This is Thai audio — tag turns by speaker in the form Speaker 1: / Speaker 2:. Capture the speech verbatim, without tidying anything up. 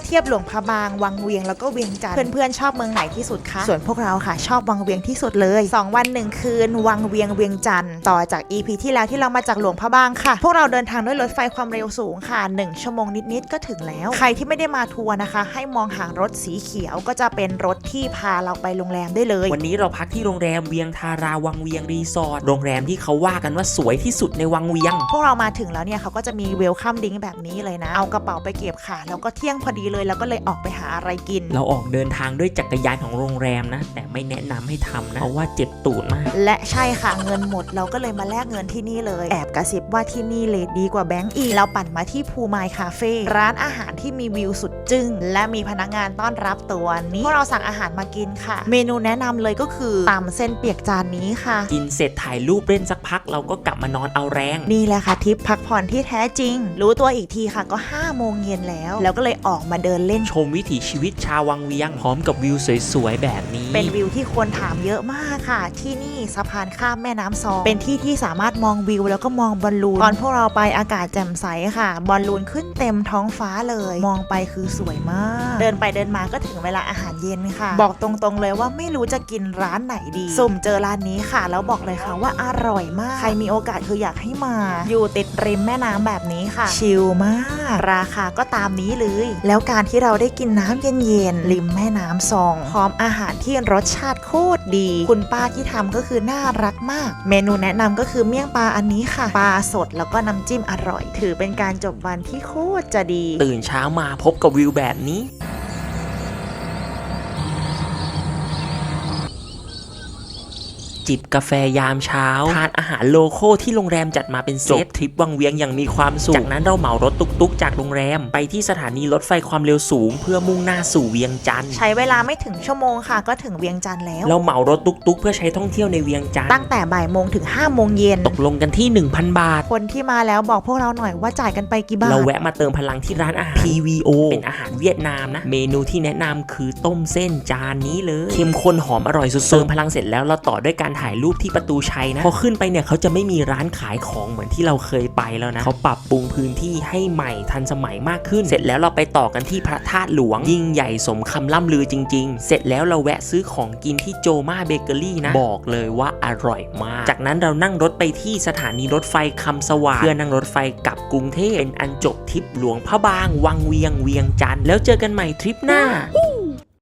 Speaker 1: เทียบหลวงพระบางวังเวียงแล้วก็เวียงจันทร์เพื่อนๆชอบเมืองไหนที่สุดคะส่วนพวกเราค่ะชอบวังเวียงที่สุดเลยสองวันหนึ่งคืนวังเวียงเวียงจันทร์ต่อจาก อี พี ที่แล้วที่เรามาจากหลวงพระบางค่ะพวกเราเดินทางด้วยรถไฟความเร็วสูงค่ะหนึ่งชั่วโมงนิดๆก็ถึงแล้วใครที่ไม่ได้มาทัวร์นะคะให้มองหารถสีเขียวก็จะเป็นรถที่พาเราไปโรงแรมได้เลย
Speaker 2: วันนี้เราพักที่โรงแรมเวียงทาราวังเวียงรีสอร์ทโรงแรมที่เขาว่ากันว่าสวยที่สุดในวังเวียง
Speaker 1: พวกเรามาถึงแล้วเนี่ยเขาก็จะมีเวลคัมดิ้งแบบนี้เลยนะเอากระเป๋าไปเก็บค่ะแล้วก็เที่ยงพอดีเลยแล้วก็เลยออกไปหาอะไรกิน
Speaker 2: เราออกเดินทางด้วยจักรยานของโรงแรมนะแต่ไม่แนะนำให้ทำนะเพราะว่าเจ็บตูดมาก
Speaker 1: และใช่ค่ะเงินหมดเราก็เลยมาแลกเงินที่นี่เลยแอบกระซิบว่าที่นี่เลทดีกว่าแบงก์อีกเราปั่นมาที่ภูมายคาเฟ่ร้านอาหารที่มีวิวสุดจึ้งและมีพนักงานต้อนรับตัวนี้พวกเราสั่งอาหารมากินค่ะเมนูแนะนำเลยก็คือตำเส้นเปียกจานนี้ค่ะ
Speaker 2: กินเสร็จถ่ายรูปเล่นสักพักเราก็กลับมานอนเอาแรง
Speaker 1: นี่แหละค่ะทริปพักผ่อนที่แท้จริงรู้ตัวอีกทีค่ะก็ห้าโมงเย็นแล้วแล้วก็เลยออกมาเดินเล่น
Speaker 2: ชมวิถีชีวิตชาววังเวียงพร้อมกับวิวสวยๆแบบนี้
Speaker 1: เป็นวิวที่คนถามเยอะมากค่ะที่นี่สะพานข้ามแม่น้ำซองเป็นที่ที่สามารถมองวิวแล้วก็มองบอลลูนตอนพวกเราไปอากาศแจ่มใสค่ะบอลลูนขึ้นเต็มท้องฟ้าเลยมองไปคือสวยมากเดินไปเดินมาก็ถึงเวลาอาหารเย็นค่ะบอกตรงๆเลยว่าไม่รู้จะกินร้านไหนดีสุ่มเจอร้านนี้ค่ะแล้วบอกเลยค่ะว่าอร่อยมากใครมีโอกาสคืออยากให้มาอยู่ติดริมแม่น้ำแบบนี้ค่ะชิลมากราคาก็ตามนี้เลยแล้วการที่เราได้กินน้ำเย็นๆริมแม่น้ำซองพร้อมอาหารที่รสชาติโคตรดีคุณป้าที่ทำก็คือน่ารักมากเมนูแนะนำก็คือเมี่ยงปลาอันนี้ค่ะปลาสดแล้วก็น้ำจิ้มอร่อยถือเป็นการจบวันที่โคตรจะดี
Speaker 2: ตื่นเช้ามาพบกับวิวแบบนี้จิบกาแฟยามเช้าทานอาหารโลโก้ที่โรงแรมจัดมาเป็นเซตทริปวังเวียงอย่างมีความสุขจากนั้นเราเหมารถตุกๆจากโรงแรมไปที่สถานีรถไฟความเร็วสูงเพื่อมุ่งหน้าสู่เวียงจันทร์
Speaker 1: ใช้เวลาไม่ถึงชั่วโมงค่ะก็ถึงเวียงจันทร์แล้ว
Speaker 2: เราเหมารถตุกๆเพื่อใช้ท่องเที่ยวในเวียงจันทร์
Speaker 1: ตั้งแต่บ่ายโมงถึงห้าโมงเย็น
Speaker 2: ตกลงกันที่ หนึ่งพัน บาท
Speaker 1: คนที่มาแล้วบอกพวกเราหน่อยว่าจ่ายกันไปกี่บาท
Speaker 2: เราแวะมาเติมพลังที่ร้านอาหาร พี วี โอ เป็นอาหารเวียดนามนะเมนูที่แนะนำคือต้มเส้นจานนี้เลยเข้มข้นหอมอร่อยสุดๆเติมพลังเสร็จแล้วเราต่อด้วยการถ่ายรูปที่ประตูชัยพอขึ้นไปเนี่ยเขาจะไม่มีร้านขายของเหมือนที่เราเคยไปแล้วนะเขาปรับปรุงพื้นที่ให้ใหม่ทันสมัยมากขึ้นเสร็จแล้วเราไปต่อกันที่พระธาตุหลวงยิ่งใหญ่สมคำล่ำลือจริงๆเสร็จแล้วเราแวะซื้อของกินที่โจมาเบเกอรี่นะบอกเลยว่าอร่อยมากจากนั้นเรานั่งรถไปที่สถานีรถไฟคำสว่างเพื่อนั่งรถไฟกลับกรุงเทพเป็นอันจบทริปหลวงพระบางวังเวียงเวียงจันทร์แล้วเจอกันใหม่ทริปหน้า